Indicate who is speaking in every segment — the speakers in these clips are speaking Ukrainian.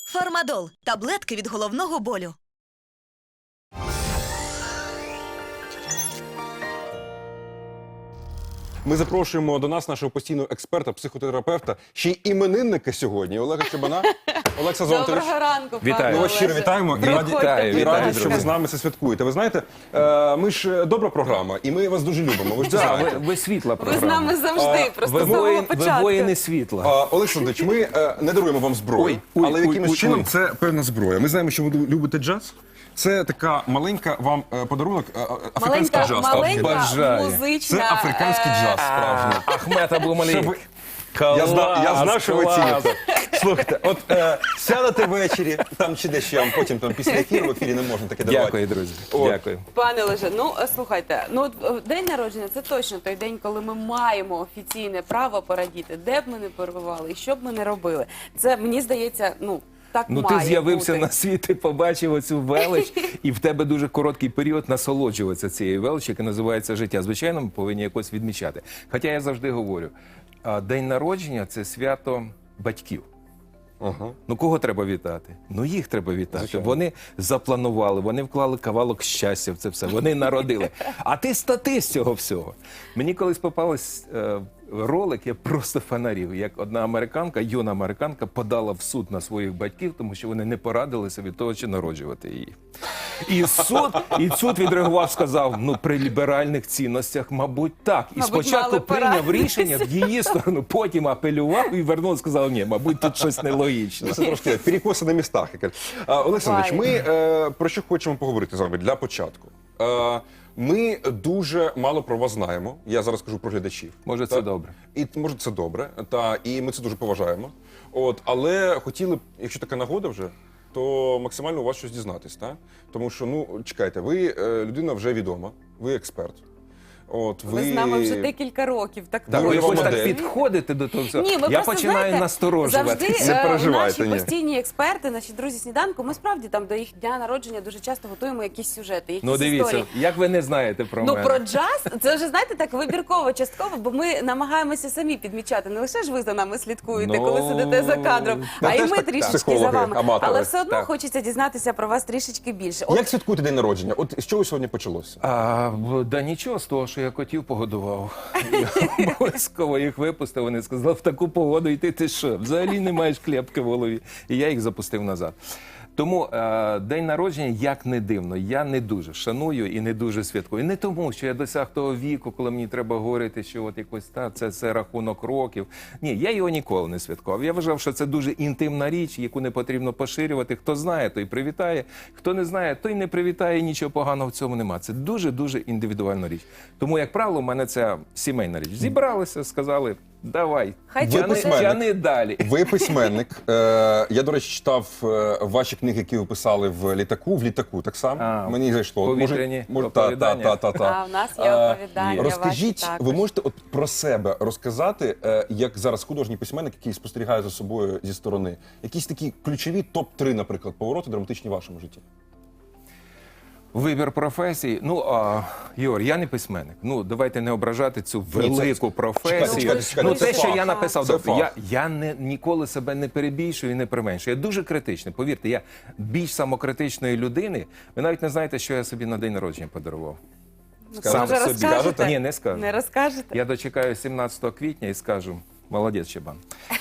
Speaker 1: Фармадол – таблетки від головного болю.
Speaker 2: Ми запрошуємо до нас нашого постійного експерта, психотерапевта, ще й іменинника сьогодні, Олега Чебана. Олекса Зонтович.
Speaker 3: Доброго ранку, пане
Speaker 2: Ми вас
Speaker 3: Олеже.
Speaker 2: щиро вітаємо і раді,
Speaker 3: Проходьте.
Speaker 2: і раді, що ви
Speaker 4: друзі.
Speaker 2: з нами це святкуєте. Ви знаєте, ми ж добра програма, і ми вас дуже любимо. Ви ж це
Speaker 4: Так,
Speaker 2: знаєте.
Speaker 4: ви світла
Speaker 3: Ви
Speaker 4: програма.
Speaker 3: з нами завжди, просто з самого
Speaker 4: Ви
Speaker 3: початку.
Speaker 4: воїни світла.
Speaker 2: Олександрович, ми не даруємо вам зброю,
Speaker 4: Ой,
Speaker 2: але якимось
Speaker 4: ой,
Speaker 2: чином
Speaker 4: ой.
Speaker 2: це певна зброя. Ми знаємо, що ви любите джаз. Це така маленька вам подарунок, африканський джаз.
Speaker 3: Маленька
Speaker 4: Бажаю.
Speaker 3: музична...
Speaker 2: Це африканський джаз справжній.
Speaker 4: Ахмед Аблумалік.
Speaker 2: Щоб ви-
Speaker 4: Клас,
Speaker 2: Я знав, що ви
Speaker 4: клас.
Speaker 2: ціните. Слухайте, от сядете ввечері, там чи десь ще, потім там, після ефіру, в ефірі не можна таке давати.
Speaker 4: Дякую, друзі.
Speaker 2: От.
Speaker 4: Дякую.
Speaker 3: Пане Олеже, ну слухайте, день народження – це точно той день, коли ми маємо офіційне право порадіти, де б ми не перебували і що б ми не робили. Це, мені здається, так
Speaker 4: Ну,
Speaker 3: має
Speaker 4: ти з'явився
Speaker 3: бути.
Speaker 4: на світ, ти побачив оцю велич, і в тебе дуже короткий період насолоджуватися цією величі, яка називається життя. Звичайно, ми повинні якось відмічати. Хоча я завжди говорю, день народження – це свято батьків.
Speaker 2: Ага.
Speaker 4: Ну, кого треба вітати? Ну, їх треба вітати.
Speaker 2: Звичайно.
Speaker 4: Вони запланували, вони вклали кавалок щастя в це все, вони народили. А ти статист цього всього. Мені колись попався ролик, я просто фанарів, як одна американка, юна американка, подала в суд на своїх батьків, тому що вони не порадилися від того, чи народжувати її. І суд відреагував, сказав, ну, при ліберальних цінностях, мабуть, так. І
Speaker 3: Мабуть,
Speaker 4: спочатку
Speaker 3: мали
Speaker 4: прийняв
Speaker 3: порадитися.
Speaker 4: рішення в її сторону, потім апелював і вернув, сказав, ні, мабуть, тут щось нелогічне.
Speaker 2: Це трошки перекоси на містах. Олександрович, ми про що хочемо поговорити з вами для початку. Ми дуже мало про вас знаємо. Я зараз кажу про глядачів.
Speaker 4: Може, це добре.
Speaker 2: І може це добре, і ми це дуже поважаємо. Але хотіли б, якщо така нагода вже, то максимально у вас щось дізнатись, так? Тому що, чекайте, ви людина вже відома, ви експерт.
Speaker 3: Ви з нами вже декілька років. Так,
Speaker 4: Так,
Speaker 2: Ну,
Speaker 4: ви
Speaker 2: я
Speaker 4: якось
Speaker 2: вам
Speaker 4: так
Speaker 2: модель.
Speaker 4: підходите до того всього.
Speaker 3: Ні, ми
Speaker 4: Я
Speaker 3: просто,
Speaker 4: починаю
Speaker 3: знаєте,
Speaker 4: насторожувати.
Speaker 3: завжди
Speaker 2: Не переживайте,
Speaker 3: наші
Speaker 2: ні.
Speaker 3: постійні експерти, наші друзі сніданку, ми справді там до їх дня народження дуже часто готуємо якісь сюжети, якісь
Speaker 4: Ну, дивіться,
Speaker 3: історії.
Speaker 4: як ви не знаєте про мене.
Speaker 3: Про джаз, це вже, знаєте, так вибірково, частково, бо ми намагаємося самі підмічати. Не лише ж ви за нами слідкуєте,
Speaker 4: Ну,
Speaker 3: коли сидите за кадром, а і
Speaker 2: теж
Speaker 3: ми
Speaker 2: так,
Speaker 3: трішечки за
Speaker 2: психологи,
Speaker 3: вами.
Speaker 2: аматори.
Speaker 3: Але все одно
Speaker 4: Так.
Speaker 3: хочеться дізнатися про вас трішечки більше.
Speaker 2: Як святкуєте день народження? З чого сьогодні почалося?
Speaker 4: Да нічого з того, що я котів погодував. Я обов'язково їх випустив, вони сказали, в таку погоду йти ти що? Взагалі не маєш клепки в голові. І я їх запустив назад. Тому день народження, як не дивно, я не дуже шаную і не дуже святкую. Не тому, що я досяг того віку, коли мені треба говорити, що от якось це рахунок років. Ні, я його ніколи не святкував. Я вважав, що це дуже інтимна річ, яку не потрібно поширювати. Хто знає, той привітає. Хто не знає, той не привітає, нічого поганого в цьому нема. Це дуже-дуже індивідуальна річ. Тому, як правило, у мене це сімейна річ. Зібралися, сказали, давай,
Speaker 3: Хай
Speaker 4: тяни далі.
Speaker 2: Ви письменник. Я, до речі, читав ваші книги, які ви писали в літаку так само. Мені зайшло.
Speaker 4: Повітряні оповідання.
Speaker 3: А, в нас є оповідання
Speaker 2: Розкажіть,
Speaker 3: ваші також.
Speaker 2: ви можете про себе розказати, як зараз художній письменник, який спостерігає за собою зі сторони, якісь такі ключові топ-3, наприклад, повороти драматичні в вашому житті?
Speaker 4: Вибір професії. Ігор, я не письменник. Давайте не ображати цю велику професію.
Speaker 2: чекайте, це
Speaker 4: Те, що
Speaker 2: фах.
Speaker 4: я написав,
Speaker 2: Це фах.
Speaker 4: я ніколи себе не перебільшую і не применшую. Я дуже критичний. Повірте, я більш самокритичної людини. Ви навіть не знаєте, що я собі на день народження подарував.
Speaker 3: Може, розкажете?
Speaker 4: Ні, не скажу.
Speaker 3: Не розкажете?
Speaker 4: Я дочекаю 17 квітня і скажу, молодець, Чебан.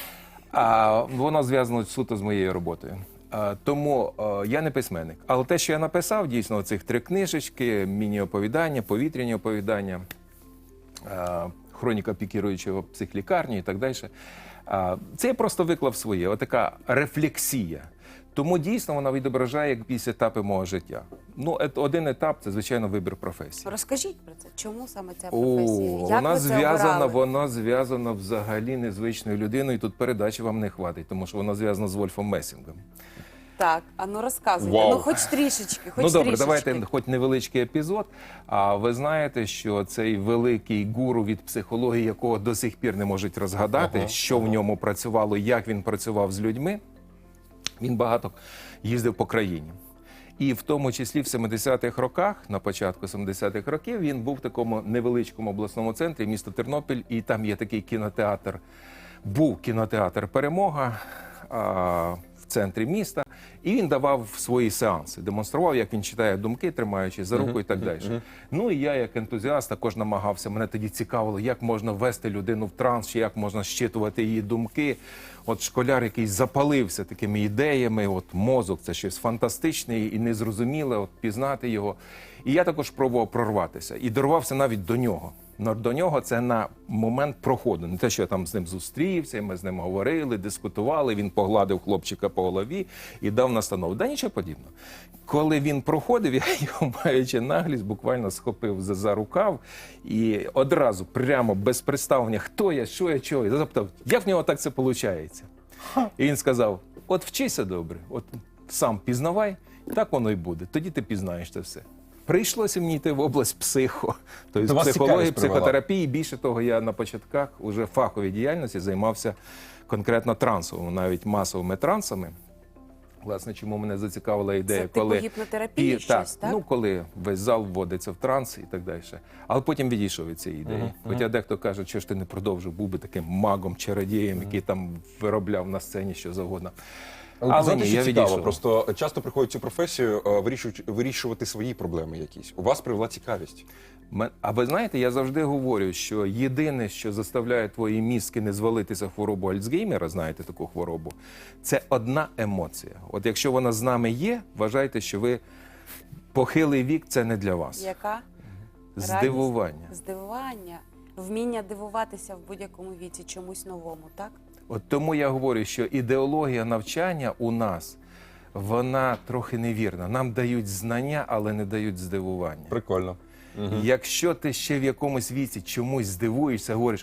Speaker 4: Воно зв'язано суто з моєю роботою. Тому я не письменник. Але те, що я написав, дійсно, цих 3 книжечки, міні-оповідання, повітряні оповідання, хроніка пікіруючого психлікарні і так далі. Це я просто виклав своє, отака рефлексія. Тому дійсно вона відображає якісь етапи мого життя. Один етап – це, звичайно, вибір професії.
Speaker 3: Розкажіть про це. Чому саме ця професія? Як
Speaker 4: Вона
Speaker 3: ви це обирали?
Speaker 4: вона зв'язана взагалі незвичною людиною. Тут передачі вам не хватить, тому що вона зв'язана з Вольфом Месінгом.
Speaker 3: Так, розказуйте.
Speaker 2: Вау.
Speaker 3: Хоч трішечки,
Speaker 4: Добре,
Speaker 3: трішечки.
Speaker 4: давайте хоч невеличкий епізод. А ви знаєте, що цей великий гуру від психології, якого до сих пір не можуть розгадати, що в ньому працювало, як він працював з людьми, він багато їздив по країні. І в тому числі в 70-х роках, на початку 70-х років, він був в такому невеличкому обласному центрі, місто Тернопіль, і там є такий кінотеатр, був кінотеатр «Перемога», в центрі міста, і він давав свої сеанси, демонстрував, як він читає думки, тримаючи за руку і так далі. Ну і я, як ентузіаст, також намагався. Мене тоді цікавило, як можна ввести людину в транс, чи як можна щитувати її думки. От школяр, який запалився такими ідеями, от мозок, це щось фантастичне і незрозуміле, от пізнати його. І я також пробував прорватися. І дорвався навіть до нього. Но до нього це на момент проходу. Не те, що я там з ним зустрівся, ми з ним говорили, дискутували, він погладив хлопчика по голові і дав настанову. Да нічого подібного. Коли він проходив, я його, маючи наглість, буквально схопив за рукав і одразу, прямо без представлення, хто я, що я, чого, я запитав, як в нього так це виходить? І він сказав, от вчися добре, от сам пізнавай, так воно й буде, тоді ти пізнаєш це все. Прийшлося мені йти в область тобто
Speaker 2: вас
Speaker 4: психології,
Speaker 2: цікавість привела.
Speaker 4: психотерапії. Більше того, я на початках уже фаховій діяльності займався конкретно трансовими, навіть масовими трансами. Власне, чому мене зацікавила ідея,
Speaker 3: Це типу гіпнотерапії щось, так?
Speaker 4: Ну, коли весь зал вводиться в транс і так далі. Але потім відійшов від цієї ідеї. Хоча дехто каже, що ж ти не продовжив, був би таким магом, чародієм, який там виробляв на сцені що завгодно. Але
Speaker 2: знаєте,
Speaker 4: ні,
Speaker 2: що
Speaker 4: я
Speaker 2: цікаво,
Speaker 4: відійшов.
Speaker 2: просто часто приходять в цю професію вирішувати свої проблеми якісь. У вас привела цікавість.
Speaker 4: А ви знаєте, я завжди говорю, що єдине, що заставляє твої мізки не звалитися в хворобу Альцгеймера, знаєте таку хворобу, це одна емоція. От якщо вона з нами є, вважайте, що ви похилий вік – це не для вас.
Speaker 3: Яка?
Speaker 4: Здивування.
Speaker 3: Здивування. Вміння дивуватися в будь-якому віці чомусь новому, так?
Speaker 4: От тому я говорю, що ідеологія навчання у нас, вона трохи невірна. Нам дають знання, але не дають здивування.
Speaker 2: Прикольно.
Speaker 4: Якщо ти ще в якомусь віці чомусь здивуєшся, говориш,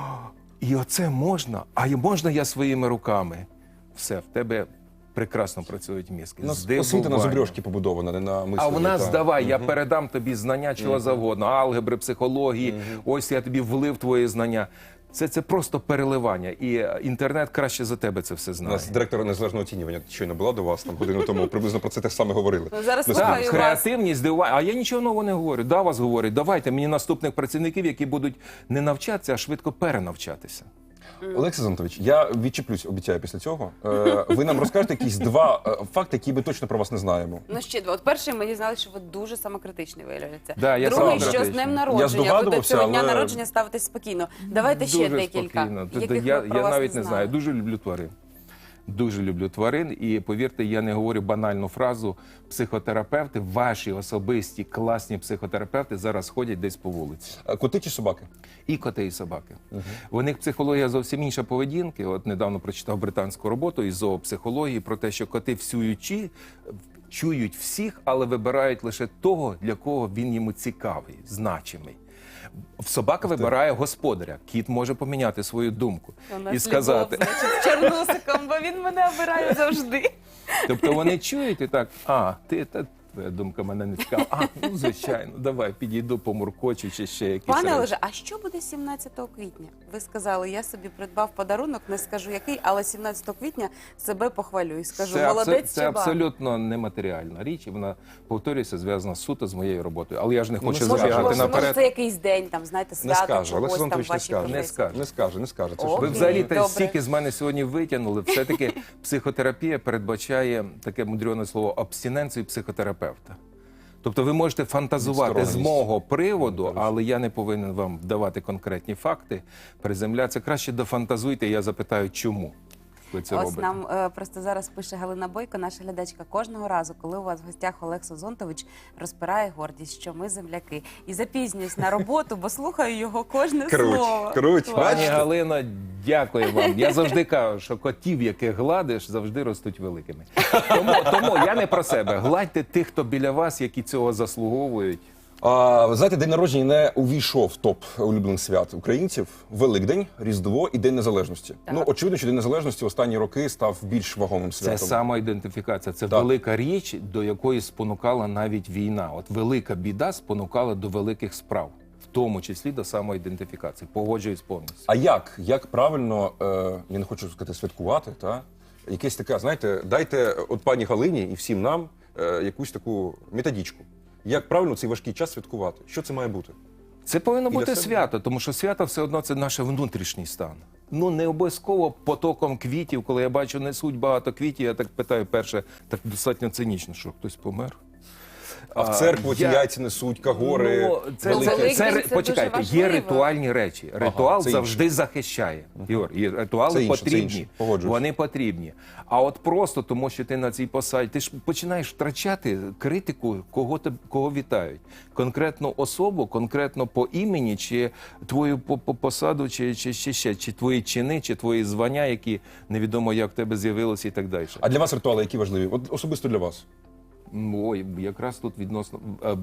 Speaker 4: і оце можна, а можна я своїми руками? Все, в тебе прекрасно працюють мізки.
Speaker 2: У нас освіта на зубрьошки побудована, не на мисленні.
Speaker 4: А в нас давай, я передам тобі знання чого завгодно, алгебри, психології, ось я тобі влив твої знання. Це просто переливання, і інтернет краще за тебе це все
Speaker 2: У
Speaker 4: знає.
Speaker 2: нас директор незалежного оцінювання щойно була до вас, там годину тому, приблизно про це те саме говорили.
Speaker 3: Ну, зараз
Speaker 2: Ми
Speaker 3: слухаю
Speaker 2: спільно.
Speaker 3: вас.
Speaker 4: Креативність, здивування. А я нічого нового не говорю. Да, вас говорять, давайте мені наступних працівників, які будуть не навчатися, а швидко перенавчатися.
Speaker 2: Олексій Зонтович, я відчіплюсь, обіцяю, після цього. Ви нам розкажете якісь два факти, які ми точно про вас не знаємо.
Speaker 3: Ну, ще два. От перший, ми дізналися, що ви дуже самокритичний, виявляється.
Speaker 4: Да, я
Speaker 3: Другий, що з
Speaker 4: самокритичний.
Speaker 3: днем
Speaker 2: Я
Speaker 3: народження. Ви до
Speaker 2: здогадувався,
Speaker 3: цього дня
Speaker 2: але-
Speaker 3: народження ставитесь спокійно. Давайте ще
Speaker 4: Дуже
Speaker 3: декілька.
Speaker 4: спокійно.
Speaker 3: Яких
Speaker 4: Я
Speaker 3: ми про вас
Speaker 4: навіть не
Speaker 3: знали.
Speaker 4: знаю. Дуже люблю тварин. Дуже люблю тварин. І повірте, я не говорю банальну фразу. Психотерапевти, ваші особисті класні психотерапевти зараз ходять десь по вулиці.
Speaker 2: Коти чи собаки?
Speaker 4: І коти, і собаки. У них психологія зовсім інша поведінки. От недавно прочитав британську роботу із зоопсихології про те, що коти чують всіх, але вибирають лише того, для кого він йому цікавий, значимий. Собака вибирає господаря. Кіт може поміняти свою думку
Speaker 3: У нас
Speaker 4: і сказати.
Speaker 3: Любов, значить, з Чорносиком, бо він мене обирає завжди.
Speaker 4: Тобто вони чують і так, твоя думка мене не цікава. Ну звичайно, давай, підійду, помуркочу чи ще якісь
Speaker 3: Пане
Speaker 4: речі.
Speaker 3: Олеже, а що буде 17 квітня? Ви сказали, я собі придбав подарунок, не скажу який, але 17 квітня себе похвалю і скажу, молодець
Speaker 4: це
Speaker 3: Чаба.
Speaker 4: абсолютно нематеріальна річ, і вона, повторюся, зв'язана суто з моєю роботою. Але я ж не хочу
Speaker 2: скаже,
Speaker 4: забігати
Speaker 3: Може,
Speaker 4: наперед.
Speaker 3: це якийсь день, там, знаєте,
Speaker 2: Не
Speaker 3: свято
Speaker 2: скаже,
Speaker 3: чогось
Speaker 2: Олексій
Speaker 3: там в
Speaker 2: Анатолійович не
Speaker 3: вашій
Speaker 2: скаже.
Speaker 3: професії.
Speaker 2: Не скаже. Це
Speaker 3: О,
Speaker 2: ж
Speaker 4: Ви взагалі
Speaker 3: добре.
Speaker 4: стільки з мене сьогодні витягнули. Все-таки психотерапія передбачає таке мудрене слово абстиненцію психотерапевта. Тобто ви можете фантазувати з
Speaker 2: Відстороненість.
Speaker 4: мого приводу, але я не повинен вам давати конкретні факти. Приземлятися краще дофантазуйте, я запитаю, чому ви це
Speaker 3: Ось
Speaker 4: робите.
Speaker 3: нам просто зараз пише Галина Бойко, наша глядачка. Кожного разу, коли у вас в гостях Олексій Зонтович, розпирає гордість, що ми земляки. І запізнююсь на роботу, бо слухаю його кожне слово.
Speaker 2: Круть.
Speaker 3: Клас.
Speaker 4: Пані Галино, дякую вам. Я завжди кажу, що котів, яких гладиш, завжди ростуть великими. Тому я не про себе. Гладьте тих, хто біля вас, які цього заслуговують.
Speaker 2: Ви знаєте, день народження не увійшов в топ улюблених свят українців. Великдень, Різдво і День Незалежності.
Speaker 3: Так.
Speaker 2: Ну, очевидно, що День Незалежності в останні роки став більш вагомим
Speaker 4: Це
Speaker 2: святом.
Speaker 4: самоідентифікація, це
Speaker 2: Так.
Speaker 4: велика річ, до якої спонукала навіть війна. От велика біда спонукала до великих справ, в тому числі до самоідентифікації. Погоджуюсь повністю.
Speaker 2: А як правильно, я не хочу сказати святкувати, та? Якесь таке, знаєте, дайте от пані Галині і всім нам якусь таку методичку. Як правильно цей важкий час святкувати? Що це має бути?
Speaker 4: Це повинно
Speaker 2: І для
Speaker 4: бути
Speaker 2: себе.
Speaker 4: свято, тому що свято все одно це наш внутрішній стан. Ну, не обов'язково потоком квітів. Коли я бачу, несуть багато квітів, я так питаю перше, так достатньо цинічно, що хтось помер.
Speaker 2: А в церкву ті яйця несуть, кагори.
Speaker 4: Ну, це,
Speaker 3: велике.
Speaker 4: це, це,
Speaker 3: Великдень це
Speaker 4: почекайте,
Speaker 3: дуже
Speaker 4: є
Speaker 3: важливо.
Speaker 4: ритуальні речі. Ритуал
Speaker 2: це
Speaker 4: завжди захищає. Ігор, і ритуали
Speaker 2: Це інше, це
Speaker 4: потрібні.
Speaker 2: інше. Погоджуюсь.
Speaker 4: Вони потрібні. А от просто тому, що ти на цій посаді, ти ж починаєш втрачати критику, кого вітають. Конкретну особу, конкретно по імені, чи твою посаду, чи ще, чи твої чини, чи твої звання, які невідомо як в тебе з'явилися і так далі.
Speaker 2: А для вас ритуали які важливі? От особисто для вас.
Speaker 4: Ой, якраз тут відносно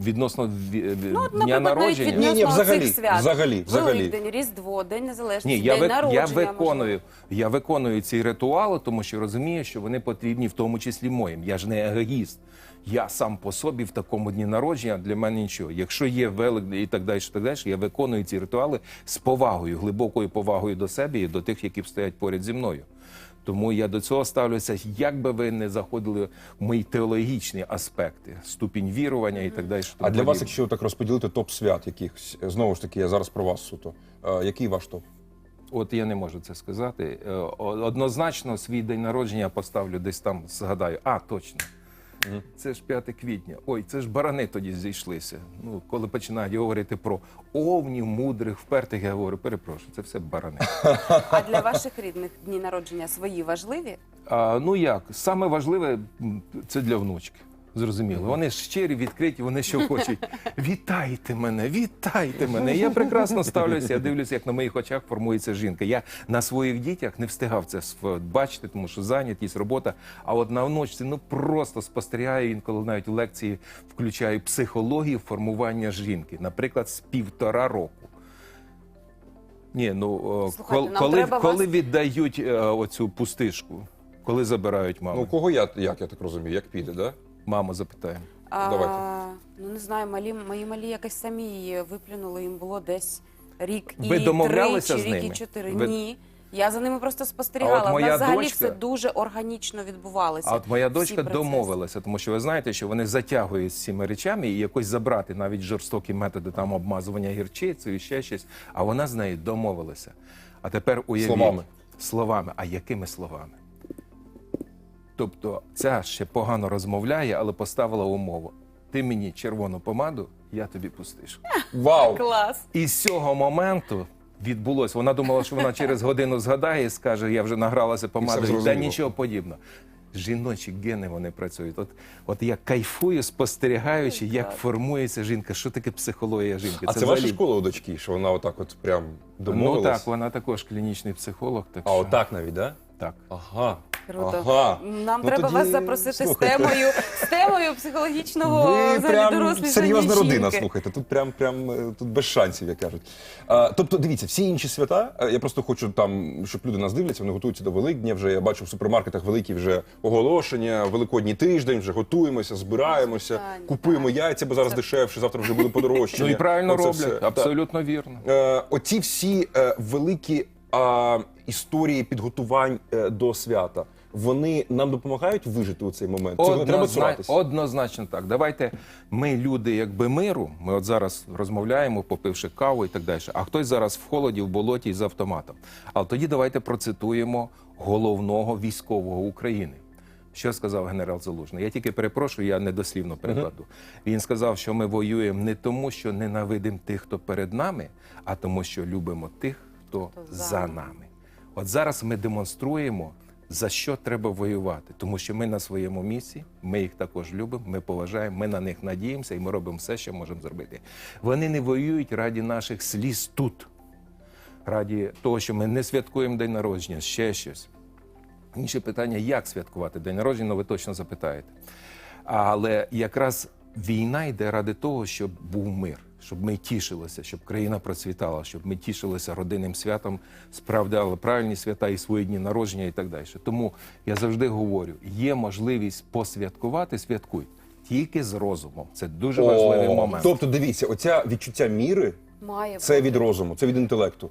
Speaker 3: Ну,
Speaker 4: дня
Speaker 3: наприклад, навіть
Speaker 4: народження.
Speaker 3: відносно
Speaker 2: Ні, взагалі,
Speaker 3: цих свят.
Speaker 2: взагалі.
Speaker 3: Великдень, Різдво, День Незалежності,
Speaker 4: Ні,
Speaker 3: День народження.
Speaker 4: я виконую ці ритуали, тому що розумію, що вони потрібні в тому числі моїм. Я ж не егоїст. Я сам по собі в такому дні народження для мене нічого. Якщо є Великдень і так далі, я виконую ці ритуали з повагою, глибокою повагою до себе і до тих, які стоять поряд зі мною. Тому я до цього ставлюся, як би ви не заходили в мої теологічні аспекти, ступінь вірування і так далі.
Speaker 2: А для вас, якщо так розподілити топ свят якихось, знову ж таки, я зараз про вас суто. Який ваш топ?
Speaker 4: От я не можу це сказати. Однозначно свій день народження я поставлю десь там, згадаю. А, точно. Це ж 5 квітня. Ой, це ж барани тоді зійшлися. Ну, коли починають говорити про овнів, мудрих, впертих, я говорю, перепрошую, це все барани.
Speaker 3: А для ваших рідних дні народження свої важливі?
Speaker 4: Ну як, саме важливе це для внучки. Зрозуміло. Вони ж щирі, відкриті, вони що хочуть. Вітайте мене, вітайте мене. Я прекрасно ставлюся, я дивлюся, як на моїх очах формується жінка. Я на своїх дітях не встигав це бачити, тому що зайнятість, робота. А от на внучці, ну просто спостерігаю, інколи навіть в лекції включаю психологію формування жінки. Наприклад, з 1,5 року. Ні, ну,
Speaker 3: Слухайте, нам треба
Speaker 4: коли
Speaker 3: вас-
Speaker 4: віддають оцю пустишку? Коли забирають маму?
Speaker 2: Ну, у кого як я так розумію, як піде, да?
Speaker 4: Маму запитаємо.
Speaker 2: Давайте.
Speaker 3: Ну, не знаю, мої малі якось самі її виплюнули, їм було десь рік і
Speaker 4: Ви домовлялися
Speaker 3: 3,
Speaker 4: з
Speaker 3: чи рік і
Speaker 4: ними?
Speaker 3: 4.
Speaker 4: Ви-
Speaker 3: Ні. Я за ними просто
Speaker 4: А
Speaker 3: спостерігала.
Speaker 4: от
Speaker 3: У
Speaker 4: моя
Speaker 3: нас взагалі
Speaker 4: дочка-
Speaker 3: все дуже органічно відбувалося.
Speaker 4: А от моя
Speaker 3: всі
Speaker 4: дочка
Speaker 3: процеси.
Speaker 4: домовилася, тому що ви знаєте, що вони затягують з цими речами і якось забрати навіть жорстокі методи там обмазування гірчицею і ще щось. А вона з нею домовилася. А тепер уявіть.
Speaker 2: Словами.
Speaker 4: Словами. А якими словами? Тобто ця ще погано розмовляє, але поставила умову. Ти мені червону помаду, я тобі пустиш.
Speaker 2: Вау!
Speaker 3: Клас.
Speaker 4: І з цього моменту відбулося. Вона думала, що вона через годину згадає і скаже, я вже награлася помадою. Та
Speaker 2: зрозуміло.
Speaker 4: нічого подібного. Жіночі гени вони працюють. От я кайфую, спостерігаючи, як формується жінка. Що таке психологія жінки?
Speaker 2: А це ваша
Speaker 4: взагалі-
Speaker 2: школа у дочки, що вона отак от прям
Speaker 4: Ну
Speaker 2: домовилась?
Speaker 4: так, вона також клінічний психолог. Так
Speaker 2: А
Speaker 4: що...
Speaker 2: отак навіть, да?
Speaker 4: Так.
Speaker 2: Ага.
Speaker 3: Круто.
Speaker 2: Ага.
Speaker 3: Нам
Speaker 2: Ну,
Speaker 3: треба
Speaker 2: тоді,
Speaker 3: вас запросити
Speaker 2: слухайте.
Speaker 3: з темою психологічного
Speaker 2: Ви
Speaker 3: взагалі
Speaker 2: прям
Speaker 3: дорослі
Speaker 2: серйозна
Speaker 3: жінки.
Speaker 2: родина, слухайте. Тут прям тут без шансів, як кажуть. Тобто, дивіться, всі інші свята, я просто хочу там, щоб люди нас дивляться, вони готуються до Великдня. Вже я бачу в супермаркетах великі вже оголошення, Великодній тиждень, вже готуємося, збираємося,
Speaker 3: Останнє,
Speaker 2: купуємо яйця, бо зараз дешевше, завтра вже буде подорожчання.
Speaker 4: Ну і правильно
Speaker 2: Оце
Speaker 4: роблять,
Speaker 2: все.
Speaker 4: абсолютно вірно.
Speaker 2: Оці всі великі історії підготувань до свята, вони нам допомагають вижити у цей момент? Цього не треба цуратися?
Speaker 4: Однозначно так. Давайте ми, люди, якби миру, ми от зараз розмовляємо, попивши каву і так далі, а хтось зараз в холоді, в болоті з автоматом. Але тоді давайте процитуємо головного військового України. Що сказав генерал Залужний? Я тільки перепрошую, я недослівно перекладу. Він сказав, що ми воюємо не тому, що ненавидимо тих, хто перед нами, а тому, що любимо тих, хто за нами. От зараз ми демонструємо, за що треба воювати. Тому що ми на своєму місці, ми їх також любимо, ми поважаємо, ми на них надіємося і ми робимо все, що можемо зробити. Вони не воюють раді наших сліз тут, раді того, що ми не святкуємо день народження, ще щось. Інше питання, як святкувати день народження, ви точно запитаєте. Але якраз війна йде ради того, щоб був мир, щоб ми тішилися, щоб країна процвітала, щоб ми тішилися родинним святом, справляли правильні свята і свої дні народження і так далі. Тому я завжди говорю, є можливість посвяткувати, святкуй. Тільки з розумом. Це дуже важливий момент.
Speaker 2: Тобто, дивіться, оця відчуття міри,
Speaker 3: Має
Speaker 2: це від розуму, це від інтелекту.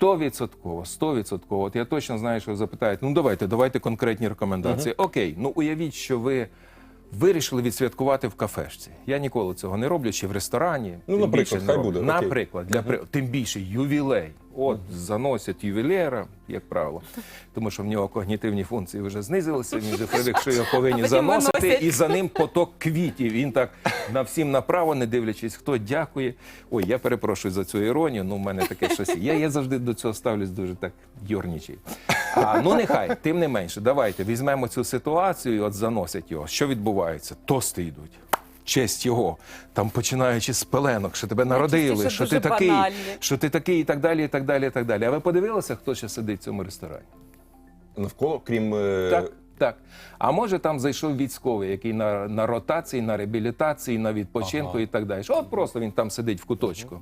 Speaker 4: 100%. От я точно знаю, що ви запитаєте. Ну давайте конкретні рекомендації. Окей, ну уявіть, що ви Вирішили відсвяткувати в кафешці. Я ніколи цього не роблю, чи в ресторані.
Speaker 2: Ну,
Speaker 4: тим
Speaker 2: наприклад,
Speaker 4: більше не
Speaker 2: хай
Speaker 4: роблю.
Speaker 2: буде, окей.
Speaker 4: Наприклад, тим більше ювілей. От заносять ювілеєра, як правило, тому що в нього когнітивні функції вже знизилися, він вже привик, що його повинні
Speaker 3: потім
Speaker 4: заносити,
Speaker 3: виносять.
Speaker 4: і за ним поток квітів. Він так на всім направо, не дивлячись, хто дякує. Ой, я перепрошую за цю іронію, ну в мене таке щось є. Я завжди до цього ставлюсь дуже так юрнічий. Ну нехай, тим не менше, давайте візьмемо цю ситуацію і от заносять його. Що відбувається? Тости йдуть. Честь його, там починаючи з пеленок, що тебе народили,
Speaker 3: що
Speaker 4: що
Speaker 3: дуже
Speaker 4: ти такий,
Speaker 3: банальні.
Speaker 4: що ти такий і так далі, і так далі, і так далі. А ви подивилися, хто ще сидить в цьому ресторані?
Speaker 2: Навколо, крім...
Speaker 4: Так, так. А може там зайшов військовий, який на ротації, на реабілітації, на відпочинку і так далі. От просто він там сидить в куточку.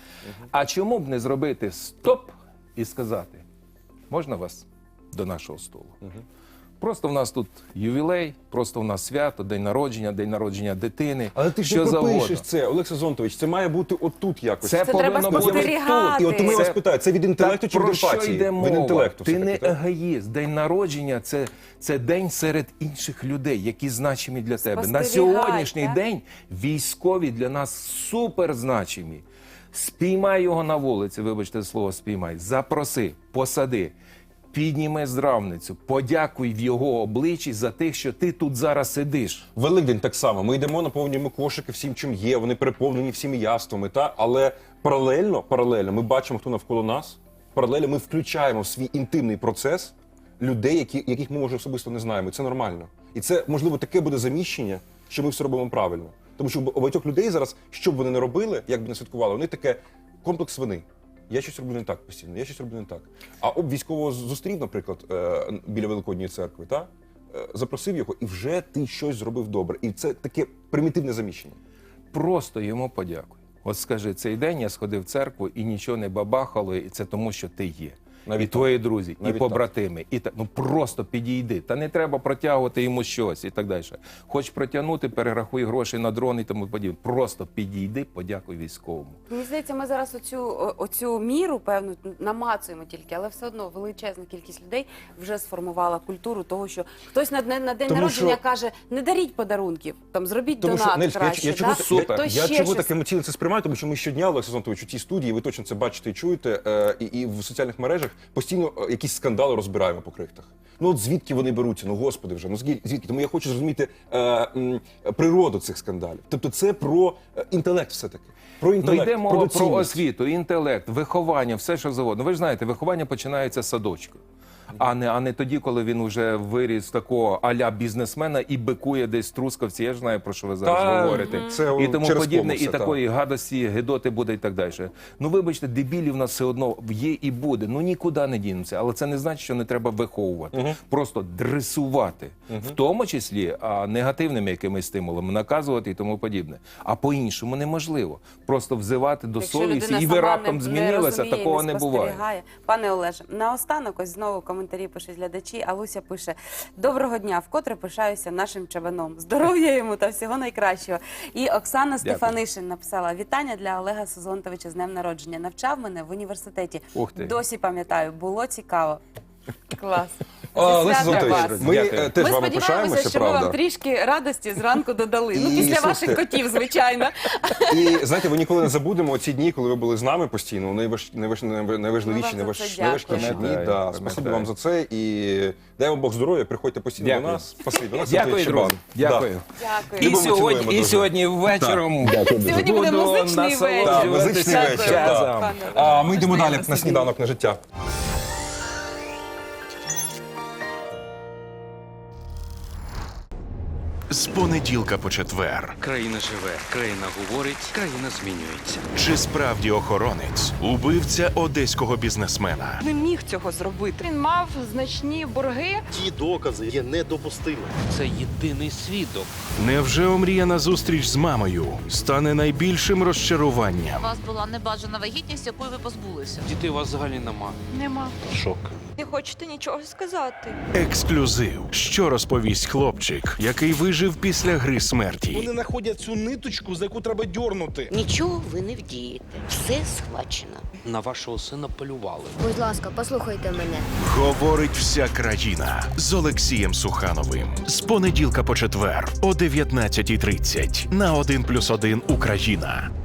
Speaker 4: А чому б не зробити стоп і сказати, можна вас до нашого столу? Просто в нас тут ювілей, просто в нас свято, день народження дитини,
Speaker 2: Але ти ж
Speaker 4: що
Speaker 2: не
Speaker 4: завгодно.
Speaker 2: пропишеш це, Олег Сезонтович, це має бути отут якось.
Speaker 4: Це
Speaker 3: треба
Speaker 4: повинно бути
Speaker 3: спостерігати.
Speaker 2: І от тому я вас
Speaker 4: Це-
Speaker 2: питаю, це від інтелекту чи від
Speaker 4: про що
Speaker 2: емпатії?
Speaker 4: йде
Speaker 2: Від
Speaker 4: мова?
Speaker 2: інтелекту
Speaker 4: Ти
Speaker 2: все-таки,
Speaker 4: не
Speaker 2: так?
Speaker 4: егоїст. День народження це день серед інших людей, які значимі для тебе. На
Speaker 3: Спостерігай,
Speaker 4: сьогоднішній
Speaker 3: так?
Speaker 4: день військові для нас суперзначимі. Спіймай його на вулиці, вибачте слово спіймай, запроси, посади. Підніми здравницю, подякуй в його обличчі за те, що ти тут зараз сидиш.
Speaker 2: Великдень так само. Ми йдемо, наповнюємо кошики всім, чим є. Вони переповнені всіми яствами, та але паралельно ми бачимо, хто навколо нас. Паралельно ми включаємо в свій інтимний процес людей, яких ми може особисто не знаємо. І це нормально. І це можливо таке буде заміщення, що ми все робимо правильно. Тому що у багатьох людей зараз, що б вони не робили, як би не святкували, вони таке комплекс вини. Я щось роблю не так постійно, я щось роблю не так. А військового зустрів, наприклад, біля Великодньої церкви, та? Запросив його, і вже ти щось зробив добре. І це таке примітивне заміщення.
Speaker 4: Просто йому подякуй. От скажи, цей день я сходив в церкву і нічого не бабахало, і це тому, що ти є.
Speaker 2: Навіть
Speaker 4: і
Speaker 2: так.
Speaker 4: твої друзі,
Speaker 2: Навіть
Speaker 4: і побратими. І так, ну просто підійди. Та не треба протягувати йому щось і так далі. Хоч протягнути, перерахуй гроші на дрон і тому подібне. Просто підійди, подякуй військовому.
Speaker 3: Мені здається, ми зараз оцю міру, певну, намацуємо тільки, але все одно величезна кількість людей вже сформувала культуру того, що хтось на день
Speaker 2: Тому
Speaker 3: народження
Speaker 2: що-
Speaker 3: каже, не даріть подарунків, там, зробіть
Speaker 2: Тому що,
Speaker 3: донат
Speaker 2: Нелька,
Speaker 3: краще.
Speaker 2: я чого,
Speaker 3: да?
Speaker 4: Супер.
Speaker 3: Хтось
Speaker 2: я
Speaker 3: ще
Speaker 2: чого
Speaker 3: щось.
Speaker 2: так емоційно це сприймаю, тому що ми щодня, Олег Сезонтович, у цій студії, ви точно це бачите і чуєте, і в соціальних мережах постійно якісь скандали розбираємо по крихтах. Ну от звідки вони беруться? Ну господи вже, ну звідки? Тому я хочу зрозуміти природу цих скандалів. Тобто це про інтелект все-таки. Про
Speaker 4: Ну
Speaker 2: інтелект,
Speaker 4: йде мова про
Speaker 2: доцільність.
Speaker 4: освіту, інтелект, виховання, все що завгодно. Ви ж знаєте, виховання починається з садочку. А не тоді, коли він вже виріс такого а-ля бізнесмена і бикує десь в Трускавці. Я ж знаю, про що ви зараз
Speaker 2: Та,
Speaker 4: говорите.
Speaker 2: це
Speaker 4: І тому
Speaker 2: через
Speaker 4: подібне,
Speaker 2: кому
Speaker 4: і
Speaker 2: все,
Speaker 4: такої гадості, гидоти буде і так далі. Ну, вибачте, дебілів в нас все одно є і буде. Ну, нікуди не дінемося. Але це не значить, що не треба виховувати. Просто дресувати. В тому числі негативними якимись стимулами, наказувати і тому подібне. А по-іншому неможливо. Просто взивати до
Speaker 3: Якщо
Speaker 4: совісті.
Speaker 3: людина
Speaker 4: І ви
Speaker 3: сама
Speaker 4: раптом
Speaker 3: не
Speaker 4: змінилися,
Speaker 3: розуміє,
Speaker 4: такого не буває.
Speaker 3: спостерігає. Пане Олеже, наостанок ось знову коментарі пишуть глядачі. Алуся пише: доброго дня, вкотре пишаюся нашим чабаном. Здоров'я йому та всього найкращого. І Оксана Стефанишин написала: вітання для Олега Сезонтовича з днем народження. Навчав мене в університеті.
Speaker 4: Ух ти.
Speaker 3: Досі пам'ятаю, було цікаво. Клас.
Speaker 2: Олег
Speaker 3: Зі святом
Speaker 2: Сезонтович,
Speaker 3: вас.
Speaker 2: ми
Speaker 4: Дякую.
Speaker 2: теж
Speaker 3: Ми
Speaker 2: вами
Speaker 3: сподіваємося,
Speaker 2: пишаємося,
Speaker 3: що ми вам
Speaker 2: правда.
Speaker 3: трішки радості зранку додали. Ну,
Speaker 2: І,
Speaker 3: після
Speaker 2: слухайте,
Speaker 3: ваших котів, звичайно.
Speaker 2: І знаєте, ви ніколи не забудемо ці дні, коли ви були з нами постійно. Найважливіші,
Speaker 3: Ми вам за це
Speaker 2: найважкіші дні.
Speaker 4: дякуємо.
Speaker 2: Да.
Speaker 4: Пам'ятаю.
Speaker 2: Спасибі вам за це. І дай вам Бог здоров'я, приходьте постійно
Speaker 4: Дякую.
Speaker 2: до нас. Спасибі. До нас
Speaker 4: Дякую,
Speaker 2: Чабан.
Speaker 4: друзі. Дякую.
Speaker 3: Дякую.
Speaker 4: І
Speaker 2: Любимо, цілуємо
Speaker 4: сьогодні, і
Speaker 2: дуже.
Speaker 4: сьогодні ввечером
Speaker 3: Сьогодні буде
Speaker 4: буду
Speaker 3: музичний вечір.
Speaker 2: Так,
Speaker 4: насолоджуватися
Speaker 2: музичний вечір.
Speaker 4: джазом.
Speaker 2: Так.
Speaker 3: Пане Олеже,
Speaker 2: Ми йдемо
Speaker 3: можна
Speaker 2: далі
Speaker 3: я
Speaker 2: на
Speaker 3: вас
Speaker 2: сніданок на життя.
Speaker 5: З понеділка по четвер.
Speaker 6: Країна живе, країна говорить, країна змінюється.
Speaker 5: Чи справді охоронець убивця одеського бізнесмена?
Speaker 7: Не міг цього зробити. Він мав значні борги.
Speaker 8: Ті докази є недопустимими.
Speaker 6: Це єдиний свідок.
Speaker 5: Невже омріяна зустріч з мамою стане найбільшим розчаруванням?
Speaker 9: У вас була небажана вагітність, якої ви позбулися.
Speaker 6: Дітей у вас взагалі нема.
Speaker 7: Нема.
Speaker 6: Шок.
Speaker 7: Не хочете нічого сказати.
Speaker 5: Ексклюзив. Що розповість хлопчик, який вижив вижив після гри смерті.
Speaker 10: Вони знаходять цю ниточку, за яку треба дьорнути.
Speaker 11: Нічого ви не вдієте. Все схвачено.
Speaker 6: На вашого сина полювали.
Speaker 11: Будь ласка, послухайте мене.
Speaker 5: Говорить вся країна з Олексієм Сухановим. З понеділка по четвер о 19:30 на 1+1 Україна.